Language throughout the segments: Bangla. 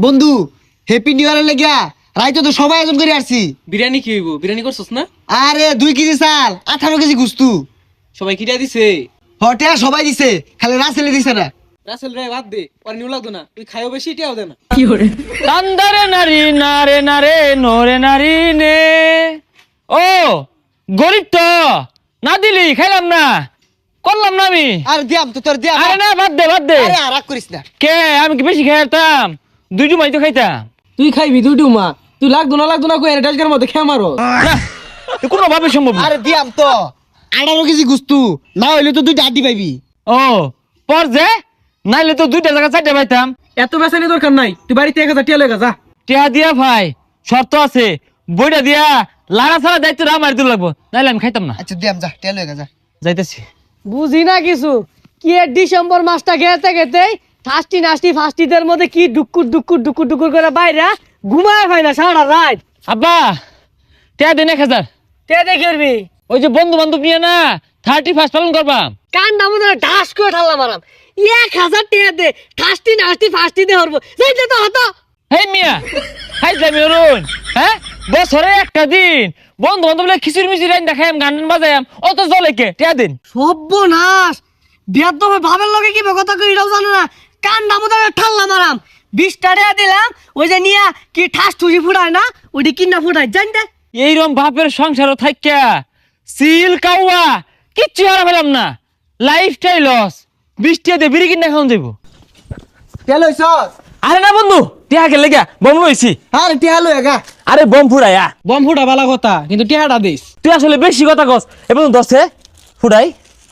বন্ধু হ্যাপি নিউ ইয়ারের লাগিয়া রাইতো তো সবাই আয়োজন করে আসছি। বিরিয়ানি কি হইব? বিরিয়ানি করছস না? আরে 2 কেজি চাল 18 কেজি গুস্তু সবাই কিরা দিছে? হটে সবাই দিছে, খালি রাসেলে দিছে না। রাসেল রে বাদ দে, ওর নিউ লাগতো না, তুই খাইও বেশি এটাও দে না। কান্দারে নারী নারে নারে নরে নারী নে। ও গরিব তো না দিলি খাইলাম না, করলাম না আমি। আর দিয়াম তো তোর দিয়াম। আরে না বাদ দে বাদ দে। আরে রাগ করিস না। কে আমি কি বেশি খাইতাম? দুইটু মাই তো খাইতাম। তুই খাইবি দুইটু মা, তুই লাগতো না কই এটাজকের মধ্যে খেয়ে মারো না এ কোনো ভাবে সম্ভব না। আরে দিয়াম তো 18 কেজি গুস্তু, না হইলে তো 2টা আড্ডি পাইবি। ও পর যে নাইলে তো 2টা জায়গা 4টা পাইতাম। এত বেসানি দরকার নাই, তুই বাড়িতে 1000 টাকা লয়ে যা। টিয়া দিয়া ভাই শর্ত আছে, বইটা দিয়া লাড়া ছাড়া দায়িত্ব আমার দিতে লাগবো, নাইলে আমি খাইতাম না। আচ্ছা দিয়াম, যা টেল হয়ে যা। যাইতেছি। বুঝি না কিছু কি ডিসেম্বর মাসটা খেতে খেতে ফাস্টি নাস্টি ফাস্টিদের মধ্যে কি ডুকুর করে বাইরে ঘুমায় হয় না সারা রাত। আব্বা টিয়া দিন 1000। তে দেখবি ওই যে বন্ধু বান্ধব নিয়ে না 31 পালন করবা। কান্ডা মধ্যে ঢাস করে ঠাল্লা মারাম 1000 টাকা দে ফাস্টি নাস্টি ফাস্টি দে হরবো যাইতে তো হতো। হেই মিয়া খাইছামি অরুণ, হ্যাঁ বছরে একটা দিন বন্ধু বান্ধব খিচুড়ি মিচুড়ি রাইন দেখাম গান বাজায়াম, অত জলে কে টিয়া দিন। সর্বনাশ বিয়ার তো ভাবের লগে কি কথা কই এটাও জানো না, কান্ডা মধ্যে ঠাল্লা মারাম 20 টাকা দিলাম ওই যে নিয়া কি ঠাস ঠুসি ফুটায় না ওইটি কিনা ফুটায় জান দে। এইরকম বাপের সংসারও থাইকা সিল কাউয়া কিচ্ছু হারা পেলাম না, লাইফটাই লস। 20 টাকা দিয়ে বিড়ি কিনা খাওয়ান যাবো। টেল হইছ? আরে না বন্ধু টিয়া গেলে গা বম লইছি। আরে টেল হয়ে গা। আরে বম ফুড়াইয়া বম ফুটা বালা কথা, কিন্তু টিয়াটা দিস। তুই আসলে বেশি কথা কস, এবং 10 ফুড়াই।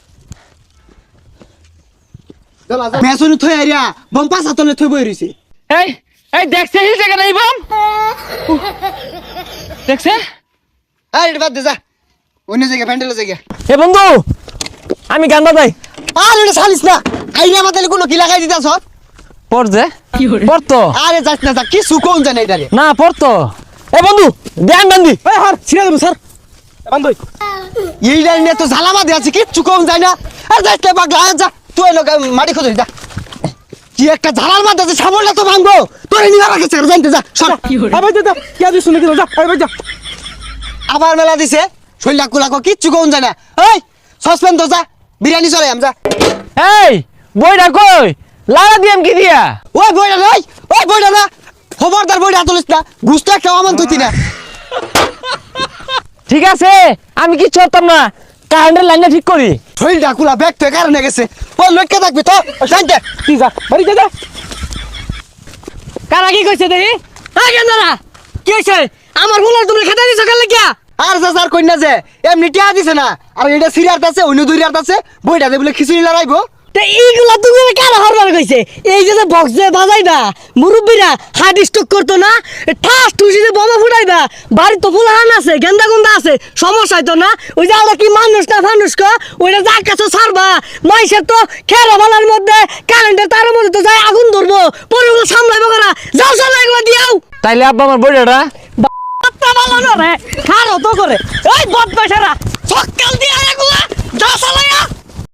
মেসুনি থই আইরা বম পাঁচ হাতলে থই বই রইছে। এই এই দেখছে এই জায়গা নাই বম দেখছে। আরে এটা বাদ দে, যা অন্য জায়গা প্যান্ডেলের জায়গা। এ বন্ধু আমি গান বাজাই। আরে এটা ছাড়িস না, আইরা মাথালে কোনো কি লাগাই দিতাছ? পড় যে পড়তো। আরে যাস না, যা কিছু কোন জানে এটারে। না পড়তো। এ বন্ধু ধ্যান বান্ধি। এই হার ছিড়ে দেব স্যার বান্ধই। এইটার নিয়ে তো ঝালামা দিয়ে আছে, কিচ্ছু কম যায় না। আর যাস না পাগলা, আর যা তুই লোক মাটি খোঁজ যা। কি একটা ঝালার মাঝে আছে, সাবলটা তো ভাঙবো। তোরে নিয়ে রাখেছে জানতে, যা সর। আবার যা কি আদি শুনে দিল, যা আবার যা। আবার মেলা দিছে শৈলা কুলাকো, কিচ্ছু কম যায় না। ওই সসপেন তো যা, বিরিয়ানি চলে আম যা। এই বইটা কই লাড়া দিয়াম কি দিয়া? ওই বইটা নয়, ওই বইটা না, খবরদার বইটা তুলিস না, ঘুষটা একটা আমান তুই না। ঠিক আছে আমি কি চলতাম না, কারেন্টের লাইনটা ঠিক করি। শৈলটা কুলা ব্যাগ তো কারণে গেছে। ওই লক্ষ্যে থাকবি তো জানতে। তুই যা বাড়ি যা। কারা কি কইছে দেখি? হ্যাঁ গেন্দারা কি হইছে? আমার ফুলার তুমি খেতে দিছো কেন লাগিয়া? আর যা স্যার কন্যা যে এমনি টিয়া দিছে না, আর এটা সিরিয়ার আছে অন্য দুই রাত আছে, বইটা দে বলে খিচুড়ি লড়াইবো। তে এইগুলা তুমি কারা হরবার কইছে? এই যে বক্স যে বাজাইবা মুরব্বীরা হার্ট স্ট্রোক করতো না, ঠাস ঠুসি যে বোমা ফুটাইবা, বাড়ি তো ফুলাহান আছে গেন্দা গুন্দা আছে, সমস্যা হইতো না। ওই যে আমরা কি মানুষ না ফানুষ ক ওইটা যা কাছে ছাড়বা, মাইসের তো খেরা বালার মধ্যে কারেন্টের তারের মধ্যে তো যায় আগুন ধরবো, পরে ওগুলো সামলাইবো কারা? যাও চলো এগুলো দিয়াও। তাইলে আব্বা আমার বইটা বাপ্পা বালানো রে খারো তো করে ওই বদমাশেরা সকাল দিয়া এগুলা যা চালাইয়া